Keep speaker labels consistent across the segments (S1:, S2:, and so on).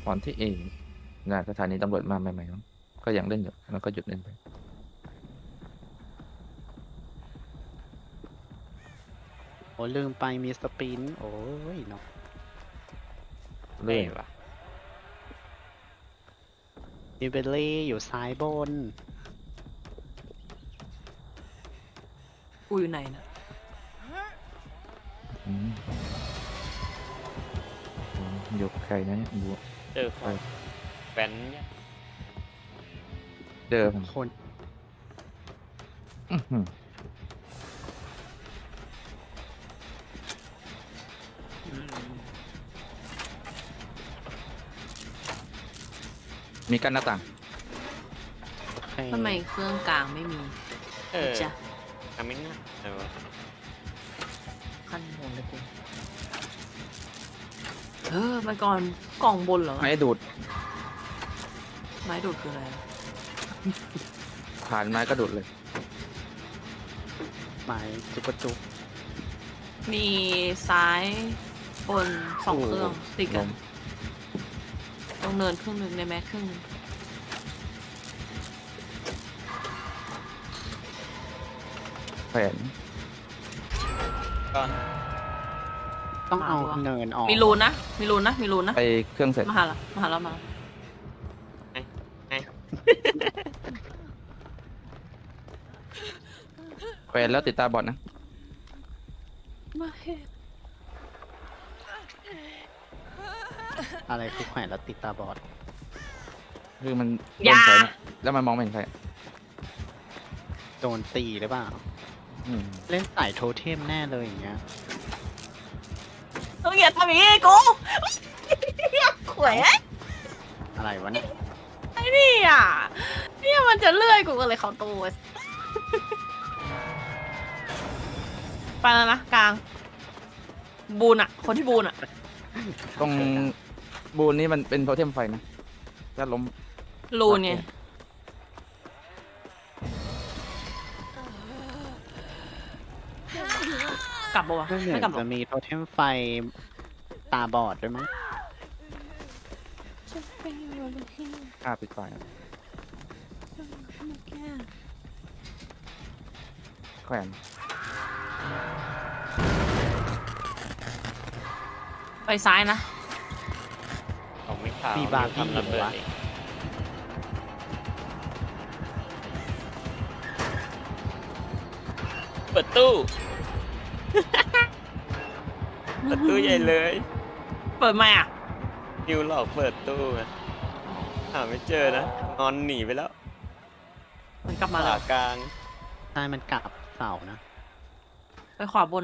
S1: อนที่งานสถานีตำรวจมาใหม่ๆมั้งก็ยังเล่นอยู่แล้วก็หยุดเล่นไป
S2: โอ้ลืมไปมีสปินโอ้ยเนาะ
S1: เรื่อย
S3: วะ
S2: ดิเบลลี่อยู่ซ้ายบน
S4: กูอยู่ไหนนะ
S1: อืมอยู่กับใครนะเนี่ยอยู่
S3: เจอคนแว้นเนี่ย
S1: เจอผม
S2: คน
S1: อื้อหือมีกั้นหน้าต่าง
S2: โอเค
S4: ทำไมเครื่องกลางไม่มี
S3: เออ
S4: จ้ะ
S3: ทำไม่ง่ายเลยวะ
S4: ขั้นบนเลยกูไปก่อนกล่องบนเหรอ
S1: ไม้ดูด
S4: ไม้ดูดคืออะไร
S1: ผ่านไม้ก็ดูดเลย
S2: หมายจุกกระจุก
S4: มีซ้ายบนสองเครื่องติดกัน
S1: ลม
S4: ตรงเนินครึ่งหนึ่งในแม็กครึ่งหนึ่ง
S1: แขวน
S3: ก่อน
S2: ต้องเอาเนินออก
S4: มีรูนนะมีรูนนะมีรูนนะ
S1: ไปเครื่องเสร็จ
S4: มาหาละมาหาละมา
S1: แขวนแล้วติดตาบอดนะ
S4: มาเห็น
S2: อะไรคือแขวนแล้วติดตาบอด
S1: คือมันโดนแขวนอะแล้วมันมองไม่เห็นใครอะ
S2: โดนตีหรือเปล่า
S1: อืม
S2: เล่นสายโทเทมแน่เลยอย่างเงี้ย
S4: ต้องอย่าทำอย่างนี้กูขวย
S2: อะไรวะเนี่ย
S4: ไอ้นี่อ่ะเนี่ยมันจะเลื่อยกูก็เลยเขาตัวไปแล้วนะกลางบูนอ่ะ คนที่บูนอ่ะ
S1: ตรงบูนนี่มันเป็นโทเทมไฟนะถ้าล้ม
S4: รูนไงกลับปะวะ
S2: เรื่องเหมื
S4: ไม่
S2: อน
S4: กลับหรอ
S2: จะมีโทเทมไฟตาบอดด้วยมั้ง
S1: ฆ่าปิดไฟอะแขวน
S4: ไปซ้ายนะ
S3: ของไม่ข่าว
S2: มีบาร์บี้
S3: ทำระเบิด
S2: วะ
S3: เองเปิดตู้ เปิดตู้ใหญ่เลย
S4: เปิดไหมอ่ะ
S3: นิวหลอกเปิดตู้ไงหาไม่เจอนะงอนหนีไปแล้ว
S4: มันกลับมา
S3: ขา
S4: แล้ว
S3: กลาง
S2: ใช่มันกลับเสานะ
S4: ไปขวาบน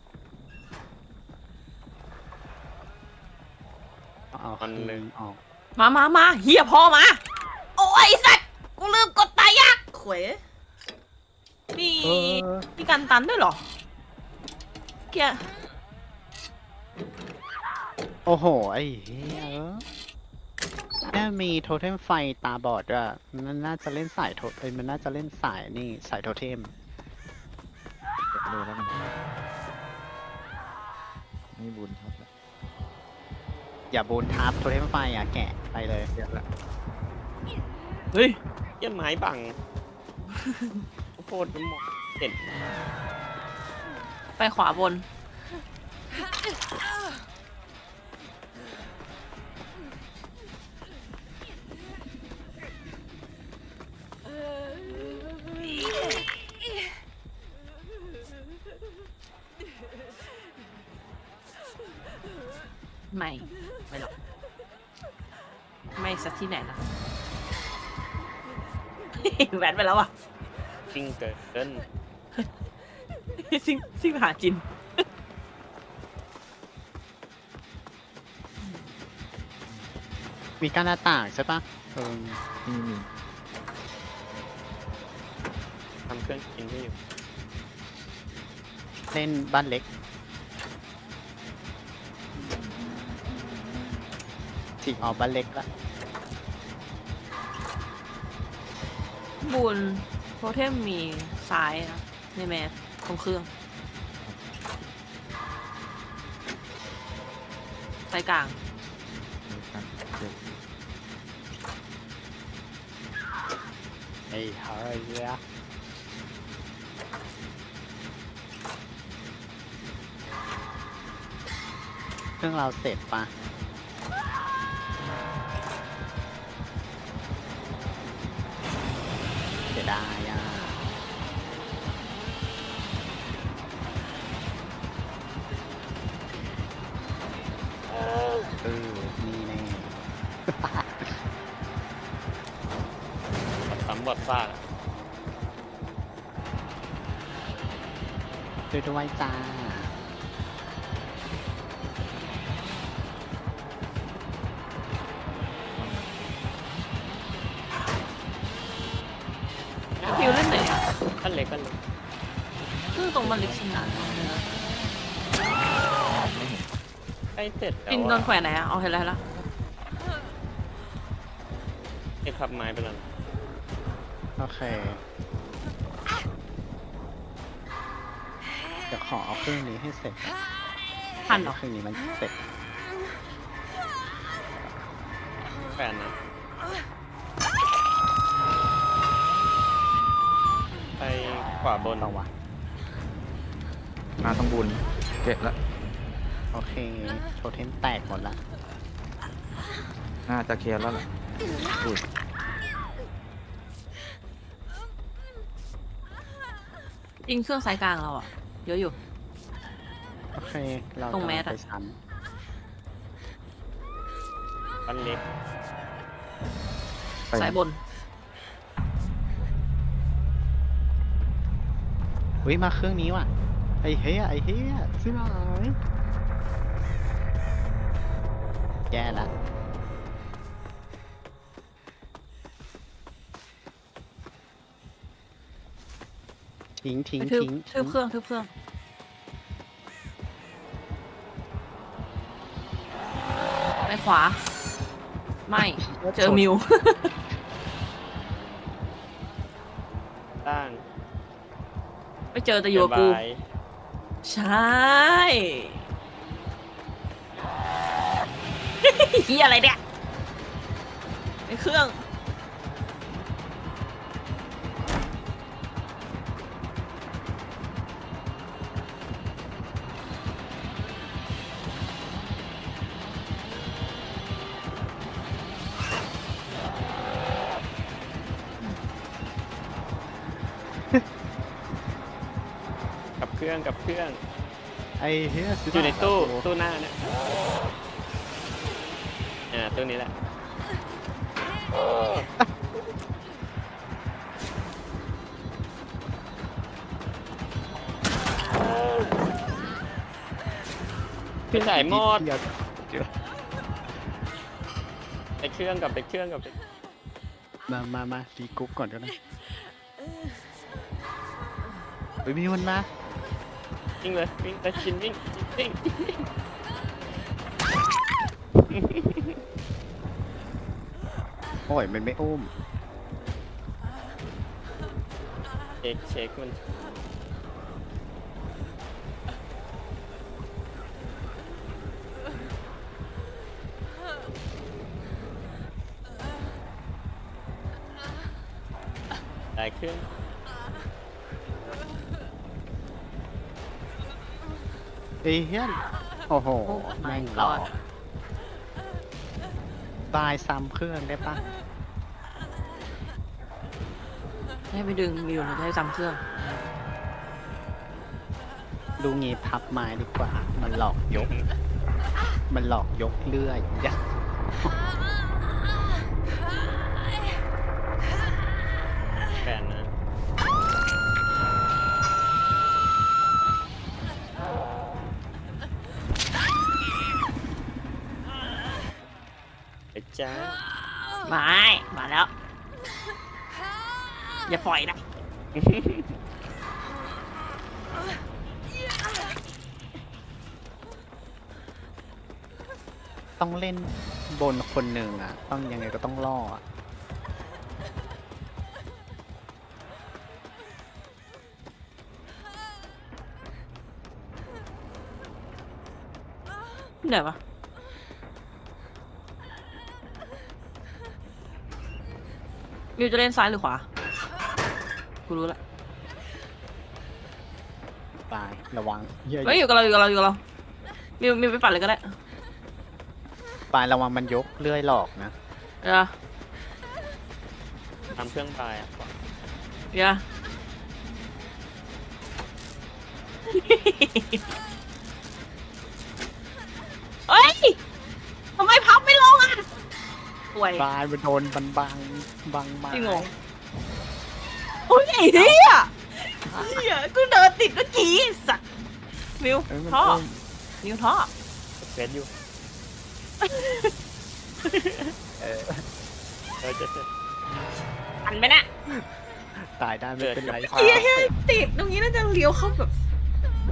S2: เอาคืนออก
S4: มาเฮียพอมา โอ้ยสัตว์ กูลืมกดตายยักขวยมี
S2: เออ
S4: มีการตันด้วยเหรอเกีย
S2: โอ้โห ไอ้เหี้ยแค่มีโทเทมไฟตาบอดด้วยมันน่าจะเล่นสายมันน่าจะเล่นสายนี่สายโทเทม
S1: เดี๋ยวดูแล้วกันนี่บุญครับแล้ว
S2: อย่าบูนทับโทเทมไฟอ่ะแกะไปเลย
S1: เดี๋ยวละ
S4: เฮ้ย
S3: เยี่ยไม้บังโคตรหมดเห็น
S4: ไปขวาบน ไม่หรอก ไม่สักที่ไหนนะ แหวนไปแล้วอ่ะ
S3: จริงเกิน
S4: ซิ่งไปหาจิน
S2: มีการหน้าต่างใช่ปะ
S1: นี่มี
S3: ทำเครื่องกินให้อยู่
S2: เล่นบ้านเล็กฉีกออกบ้านเล็กละ
S4: บูนโทเทมมีซ้ายนะในแมสตรงเครื่องซ้ายกลาง
S1: มีครับเดี๋ยว
S2: ไอ้เฮ้ยเครื่องเราเสร็จปะเสียดายอ่ะนี่แน่
S3: ซ้ำบอดซากอะ
S2: ช่วยด้วยจ้า
S4: ฟิวเล่นไหนอ่ะ
S3: ขั้นเล็กขั้นเล็ก
S4: คือตรงมันเล็กชิงงาน
S3: ใกล้เสร็จแต่
S4: ปินโด
S3: ว่าน
S4: แขวนไหนอ่ะเอาเห็นแล้ว
S3: ไอ้พับไม้ไปแล้ว
S2: โอเค เดี๋ยวขอเอาเครื่องนี้ให้เสร็จก่อน
S4: ทันเหรอ
S2: เครื่องนี้มันเสร็จ
S3: แฟนนะไปขวาบน
S2: ต่อวะ
S1: มาต้องบูนเก็บละ
S2: โอเค โทเทมแตกหมดละ
S1: น่าจะเคลียร์แล้วล่ะอุ้ย
S4: ยิงเครื่องสายกลางเราอ่ะเยอะอยู่
S2: โอเค เรา
S4: ตรงแมส
S2: ไป
S4: อะ
S2: ซ้
S3: ขั้นเล็ก
S1: ไป
S4: สายบน
S2: ำอุ้ยมาเครื่องนี้ว่ะ ไอ้เฮียไอ้เฮียซื้อหน่อยแย่ละ ทิ้งทิ้ง
S4: ไปทึบ
S2: ทิ้ง
S4: ทึบเครื่องทึบเครื่อง ไปขวา ไม่ เจอมิว
S3: ล่าง
S4: ไม่เจอแต่อยู่กับกู
S3: บาย
S4: ใช่ เฮียอะไรเนี่ยในเครื่อง
S3: กับเครื่องกับเครื่อง
S2: ไอ้เฮียซื้
S3: อยู่ในตู้
S2: หน่อย
S3: ตู้หน้าเนี่ยตู้นี้แหละพี่สายหมด
S2: เดี๋ยว
S3: ไปเครื่องกับไปเครื่องกับไป
S2: มารีกรุ๊ปก่อนก็ได้เฮ้ยมีมันมา
S3: วิ่งเลยวิ่งแต่ชินวิ่งวิ่ง
S2: โอ้ยมันไม่อุ้ม
S3: เช็คมันได้เครื่อง
S2: ไอ้เฮียโอ้โห
S4: โอ้ my
S2: แม่งหลอก
S4: god
S2: ตายซ้ำเครื่องได้ปะ
S4: ให้ไปดึงมิวหรือให้จำเครื่อง
S2: ดูงี้พับไม้ดีกว่า มันหลอกยก มันหลอกยกเลื่อยยะ
S3: แฟนนะไอ้จ้า
S4: ไม่ มาแล้ว อย่าปล่อยนะ
S2: ต้องเล่นบนคนหนึ่งอ่ะ ต้องยังไงก็ต้องล่ออ่ะ
S4: ไหนวะมิวจะเล่นซ้ายหรือขวากูรู้ละ
S2: ตายระวังเหี้ย
S4: เฮ้ยอยู่กับเราอยู่กับเราอยู่กับเรามิวไปปัดเลยก็ได้
S2: ปลายระวังมันยกเลื่อยหลอกนะ
S4: เดี๋ยว
S3: ทำเครื่องปลายอ่ะ
S4: เดี๋ยวเฮ้ยทำไมพับไม่ลงอ่ะป่วย
S2: ปลายมันโดนบันบังไม้
S4: จริงเหรอโอ้ยไอ้เหี้ยเหี้ยกูเดินติดเมื่อกี้สัตว์มิว
S2: เอ้ยมัน
S4: ท่อ
S2: อุ้ม
S4: มิวท่อ
S3: เฟซอยู่
S2: เออ
S3: จะ
S4: อันไปนะ
S2: ตายได้ไม่เป็นไร
S4: เหี้ยเหี้ยติดตรงนี้น่าจะเลี้ยวเข้าแบบโห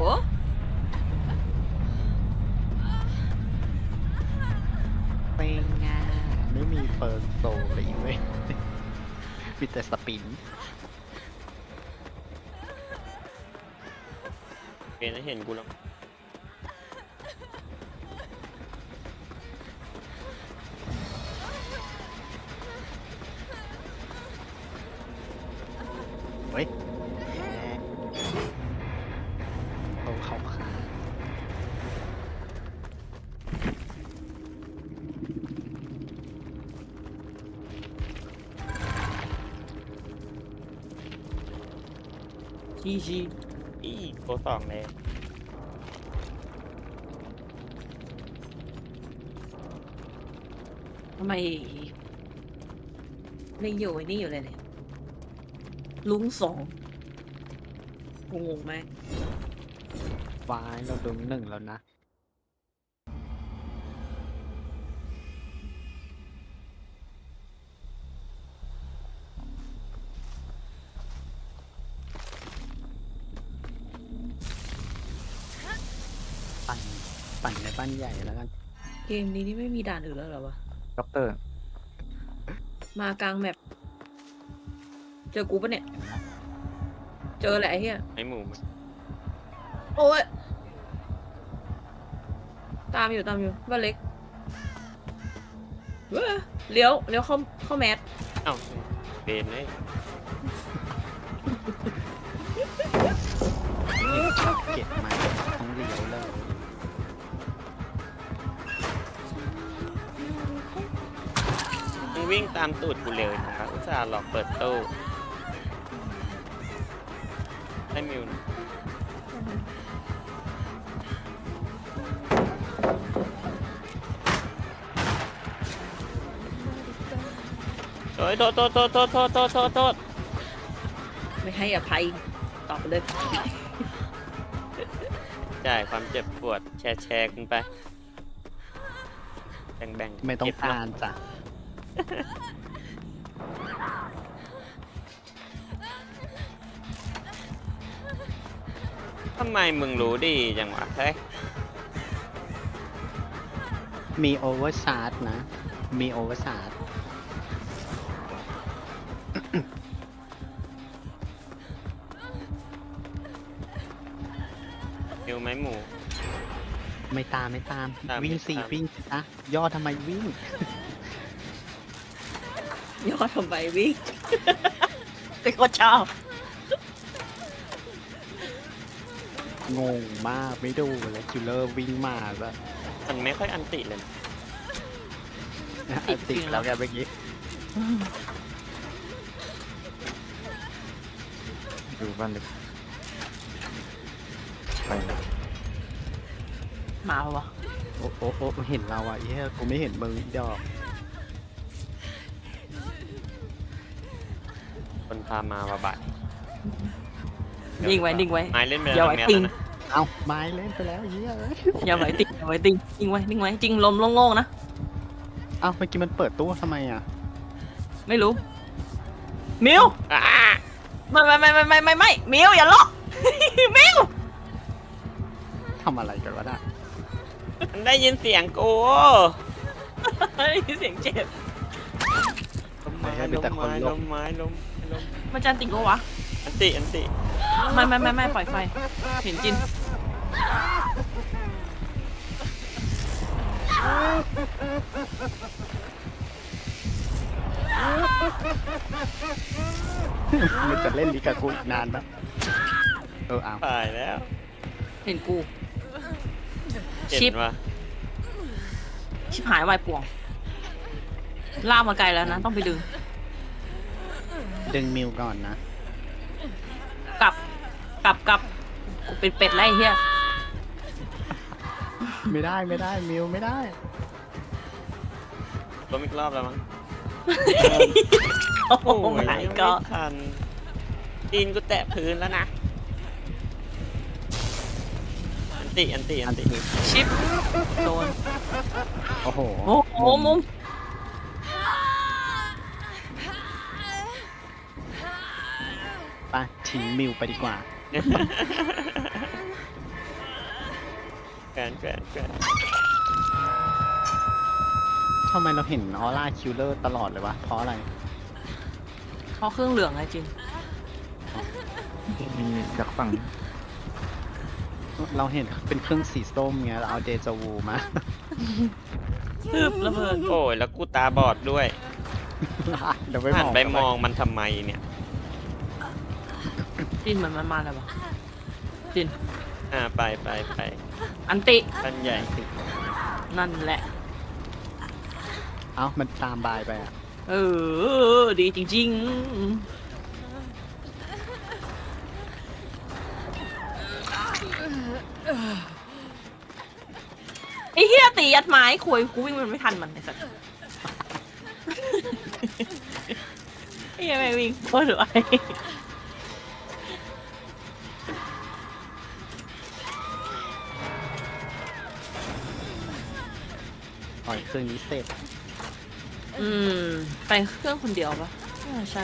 S2: เป็นไงไม่มีเฟิร์นโซเลยเว้ยมีแต่สปิน
S3: เฟซเห็นกูแล้ว
S2: เฮ้ยเขาขา
S4: ชี
S3: อีโกสองเลย
S4: ทำไมไม่อยู่ไอ้นี่อยู่เลยเนี่ยลุงสองงงไหม
S2: วายเราโดนหนึ่งแล้วนะ ปั่นในบ้านใหญ่แล้วกัน
S4: เกมนี้นี่ไม่มีด่านอื่นแล้วเหรอวะ
S1: ด็อกเตอร์
S4: มากลางแมปเจอกูปะเนี่ย เจอแหละไอ้เหี้ย
S3: ไอหมู
S4: โอ้ยตามอยู่บ้านเล็กเว้ยเลี้ยวเข้าแมส
S3: เอ้าเฟซเลย
S2: เก็บมาต้องเลี้ยวเลย
S3: มึงวิ่งตามตูดกูเลยนะครับอุตส่าห์หลอกเปิดตู้ให้มิวนะโอ้ยโทษ
S4: ไม่ให้อภัยตอบไปเลย
S3: จ่ายความเจ็บปวดแชร์กันไปแบ่งๆ
S2: ไม่ต้อง
S3: เก็บ
S2: กา
S3: เนะ
S2: รจ้ะ
S3: ทำไมมึงรู้ดีจังวะเฮ้ย
S2: มีโอเวอร์ชาร์จนะ มีโอเวอร์ชาร์จ
S3: มิวไหมหมู
S2: ไม่ตาม
S3: ตาม
S2: วิ่ง
S3: ไม่
S2: สี่
S3: ตาม
S2: วิ่งนะย่อทำไมวิ่ง
S4: ยอดทำไมวิ่ง เป็นคนชอบ
S2: งงมากไม่ดูเลยคิลเลอร์วิ่งมาแล้ว
S3: มันไม่ค่อยอันติเลยนะ
S2: ติดแล้วแกเมื่อกี้
S1: ดูบ้านเล็กไป
S4: มาปะวะ
S2: โอ้เห็นเราอ่ะเฮ้ยกูไม่เห็นมึงดอก
S3: คนพามาบาบาด
S4: นิ่งไว้
S3: ไม้เล่นไป
S4: อย่า
S3: แล้ว
S4: ไว้
S3: แมส
S4: ติง
S3: นะ
S2: เอาไม้เล่นไปแล้วเฮ้ย
S4: อย่าไว้ติงนิ่งไว้จริงลมโล่งๆนะ
S2: เอาเมื่อกี้มันเปิดตู้ทำไมอ่ะ
S4: ไม่รู้ มิว
S3: อ่า
S4: ไม่มิวอย่าล็อก มิว
S2: ทำอะไรกันวะน่ะ
S3: มันได้ยินเสียงกู
S4: เฮ้ยเสียงเจ็บ
S3: ลมไม้ลมไม้
S4: มันจะติงกูวะ
S3: อันติ
S4: ไม่ปล่อยไฟ เห็นจิน
S3: อ
S2: มันจะเล่นดีกับกูอีกนานปะเอา
S3: ตายแล้ว
S4: เห็นกู
S3: เห็น
S4: ชิป
S3: ว่า
S4: ชิบหายวายป่วงลากมาไกลแล้วนะ ต้องไปดึง
S2: ดึงมิวก่อนนะ
S4: กลับกูเป็นเป็ดไรเฮีย
S2: ไม่ได้มิวไม่ได้
S3: ล้มอีกรอบแล้วมั้ง
S4: โอ้โห
S3: ย
S4: ไม่
S3: ยัง
S4: ก็
S3: ไม่ทันตีนกูแตะพื้นแล้วนะ อันติ
S4: ชิปโดน
S2: โอ้โห
S4: โอ้โหมุม
S2: ไปทิ้งมิวไปดีกว่า
S3: แกน
S2: ทำไมเราเห็นออร่าคิลเลอร์ตลอดเลยวะ เพราะอะไร
S4: เพราะเครื่องเหลืองไงจิน
S1: มีจากฝั่ง
S2: เราเห็นเป็นเครื่องสีส้มไงเราเอาเดจาวูมา
S4: คืบระเบิด
S3: โอ้ยแล้วกูตาบอดด้วย
S2: เดี๋ยวไป
S3: หัน
S2: มอง
S3: ไปมองมันทำไมเนี่ย
S4: จินเหมือนมันมาแล้วปะจิน
S3: ไป
S4: อันติ
S3: ปันใหญ่
S4: นั่นแหละ
S2: เอ้ามันตามบายไปอ่ะ
S4: เออ ดีจริงๆไอ้เฮียตียัดไม้คุยกูวิ่งมันไม่ทันมันไอ้สัสไอ้เฮียไม่วิ่งโคตรไว
S2: ปล่อยเครื่องนี้เสร็จ
S4: อืม ไปเครื่องคนเดียวปะใช่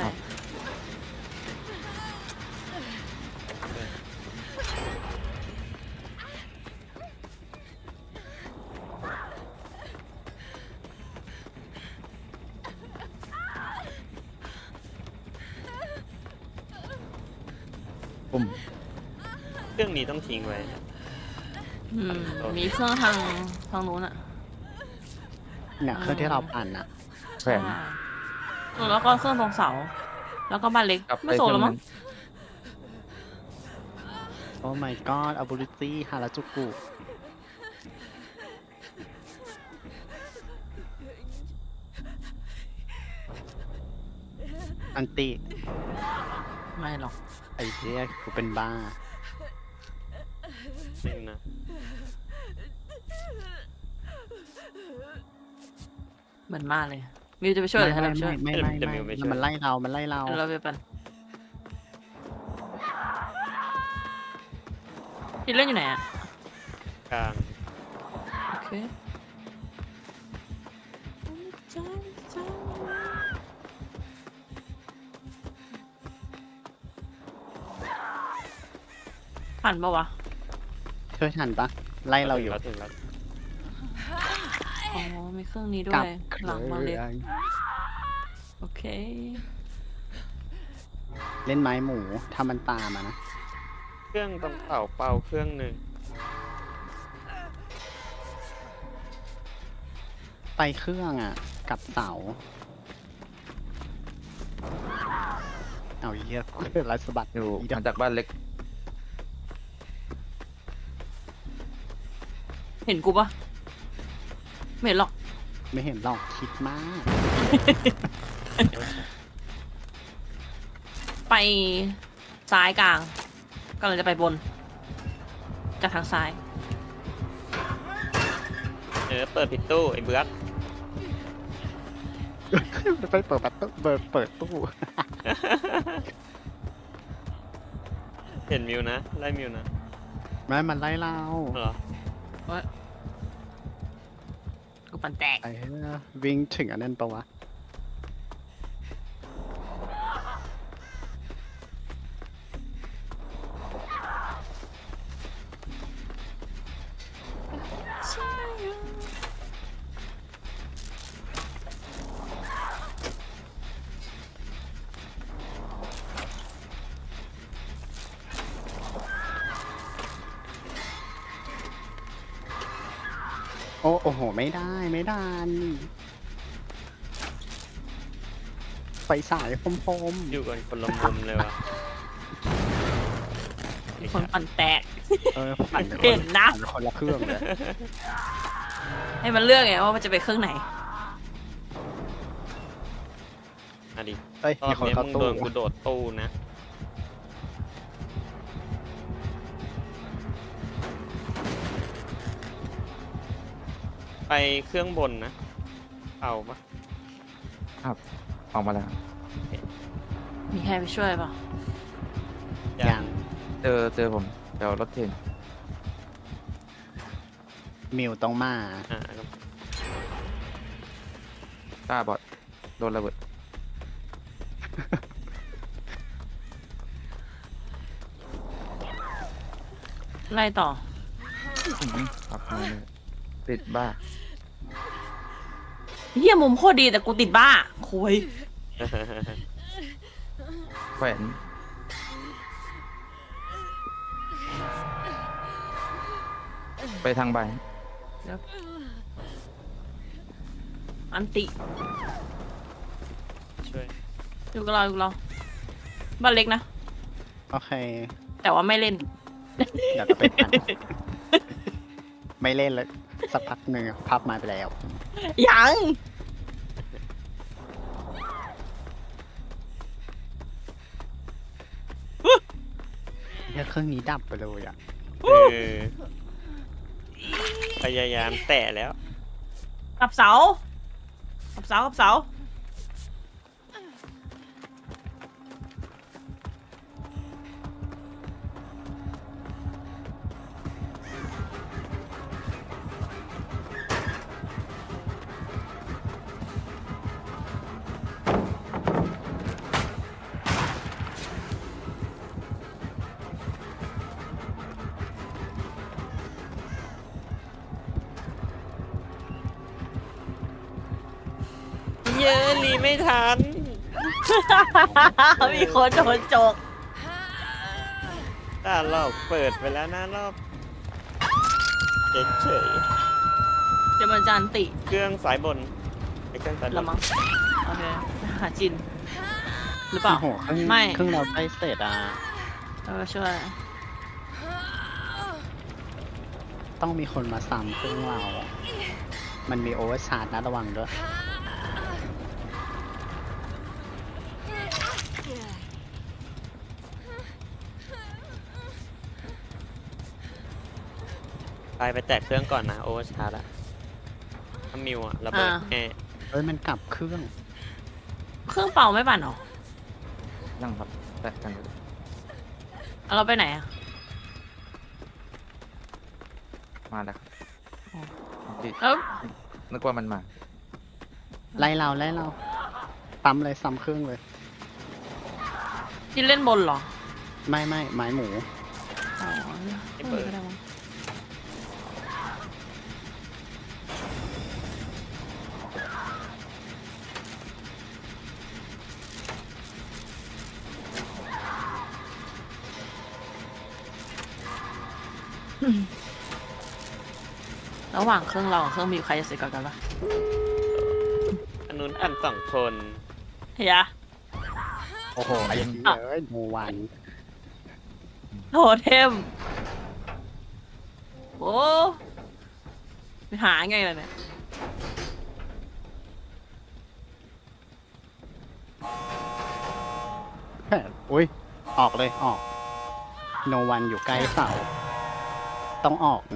S2: ปุ่ม
S3: เครื่องนี้ต้องทิ้งไว้นะ
S4: อืม มีเครื่องทางนู้นอะ
S2: เนี่ยเครื่องที่เราปั่นอ่ะ
S1: แผน
S4: ใช่แล้วก็เครื่องตรงเสา แล้วก็บ้านเล็ก
S1: กลับไป
S4: ไม่โซ
S1: เค
S4: น
S1: รื่
S4: แล้
S1: อ
S4: ว
S1: ง
S4: มั้
S1: นั้
S4: ง
S1: น
S2: โอ้ my god ability ฮาราจูกุ อันติ
S4: ไม่หรอก
S2: ไอ้เหี้ยกูเป็นบ้า
S3: นิ่งนะ
S4: เหมือนมากเลย มิวจะไปช่วยหรือให้เราไปช่วย
S2: ไม่มันไล่เรา มันไล่เรา
S4: เดี๋ยวเราไปปั่นพี่เล่นอยู่ไหนอะ
S3: กลาง
S4: โอเคผ่านปะวะ
S2: ช่วยทันปะไล่เราอยู่
S3: ถึงแล้ว
S4: อ๋อ มีเครื่องนี้ด้ว
S2: กลับ
S4: ย หลังมาเล็ก
S2: ครื่อง
S4: โอเค
S2: เล่นไม้หมูถ้ามันตามอะนะ
S3: เครื่องต้องเป่าเครื่องหนึ่ง
S2: ไปเครื่องอ่ะ กับเสา เอาเหี้ยรัสบัด
S1: อยู่
S2: อีดอ
S1: มาจากบ้านเล็ก
S4: เห็นกูปะไม่เห็นหรอก
S2: ไม่เห็นหรอกคิดมาก
S4: ไปซ้ายกลางกำลังจะไปบน จากทางซ้าย
S3: เปิดผิดตู้ไอ้เบื้อก
S2: ไปเปิดประตูเปิดตู้
S3: เห็นมิวนะ ไล่มิวนะ
S2: แม่มันไล่เรา
S3: เหรอ
S4: กูปั่นแตก
S2: ไอ้เหี้ยวิ่งถึงอันนั้นปะวะ โอ้โห ไม่ได้ ไม่ได้ฉายพรม
S3: อยู่กันคนละมุมเลยว่ะ
S4: มีคนปั่นแตก
S2: ๆปั่นไป
S4: เห็นนะ
S2: ปั่คนละเครื่องเลย
S4: ให้มันเลือกไงว่ามันจะไปเครื่องไหน
S3: อะดิ
S2: เอ้ย
S3: รอ
S2: มี
S3: บ
S2: คน
S3: นี้
S2: เข้า
S3: มึง
S2: ตู้
S3: โดนกูโดดตู้นะ ไปเครื่องบนนะ เอาปะ
S1: ออกมาแล้ว
S4: มีใครไปช่วยเปล่ะ
S2: ยัง
S1: เจอผมเดี๋ยวรถเทรน
S2: มิวต้องมา
S3: อ่า
S1: ต้าบอดโดนระเบิด
S4: ไล่ต่อ
S1: ขับมาเลยติดบ้า
S4: เฮียมุมโคตรดีแต่กูติดบ้าคุย
S1: แขวนไปทางใบ
S4: อันติ
S3: ช่วย
S4: อยู่กับเราบ้านเล็กนะ
S2: โอเค
S4: แต่ว่าไม่เล่น
S2: เดี๋ยวก็ไปปั่น ไม่เล่นเลยสักพักหนึ่งพับมาไปแล้ว
S4: ยัง
S2: เนี่ยเครื่องนี้ดับไปเลยอ่ะ
S3: เออพยายามแตะแล้ว
S4: กับเสากับเสากับเสา
S3: เยอะรีไม่ทัน
S4: มีคนโดนจก
S3: ถ้ารอบเปิดไปแล้วนะรอบเฉย
S4: เดี๋ยวมันจะอันติ
S3: ๆเครื่องสายบนไอ้เครื่องสายบ
S4: ละ
S3: น
S4: มั้งโอเคหาจิน หรือเปล่า
S2: โอ้โหเครื่อง
S4: ไม่
S2: เครื่องเราใกล้เสร็จอ่ะ
S4: ช่วย
S2: ต้องมีคนมาซ้ำเครื่องเรา มันมีโอเวอร์ชาร์จนะระวังด้วย
S3: ไปแตะเครื่องก่อนนะโอเวอร์ชาร์จอะถ้ามิวอะระเบิดแน่
S2: เอ้ยมันกลับเครื่อง
S4: เครื่องเป่าไม่ปั่นหรอ
S1: นั่งครับแตะกันเลย
S4: เอาเราไปไหนอะ
S1: มาแล้วครับ
S4: อ๋อ
S1: พี่
S4: แล้ว
S1: นึกว่ามันมา
S2: ไล่เราปั๊มเลยซ้ำเครื่องเลย
S4: จินเล่นบนเหรอ
S2: ไม่ไม้หมู
S4: อ๋อไม่เปิดก็ได้มั้งระหว่างเครื่องเรากับเครื่องมิวใครจะเสร็จก่อนกันปะ
S3: อันนู้นอัน2 คน
S4: เฮีย
S2: โอ้โหไอ้เหี้ยเอ้ยโนวัน
S4: โทเทมโอ้ไปหาไงล่ะเนี่ย
S2: อุ้ยออกเลยออกโนวันอยู่ใกล้เสาต้องออกนะ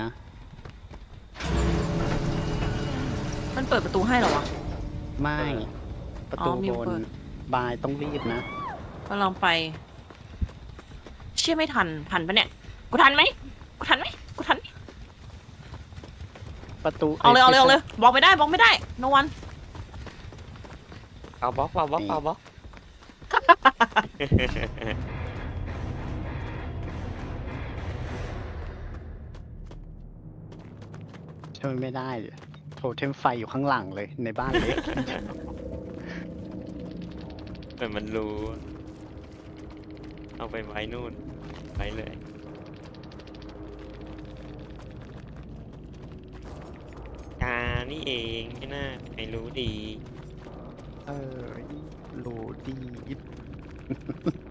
S4: มันเปิดประตูให้เหรอวะ
S2: ไม่ ประตู
S4: อ๋อมิ
S2: บ
S4: วเปิ
S2: น
S4: ด
S2: บายต้องรีบนะ
S4: ก็ลองไป เชื่อไม่ทันปะเนี่ย กูทันไหมกูทันไหมกูทันไหม
S2: ประตู
S4: เอาเลยบอกไม่ได้โนวัน
S3: เอาบล็อกเอาบล็อกเอาบล็อก
S2: ช่วยไม่ได้โทเทมไฟอยู่ข้างหลังเลยในบ้านเล็ก
S3: เหมือนมันรู้ เอาไปไว้นู่นไว้เลยนี่เองไม่น่าใครรู้ดี
S2: เออรู้ดี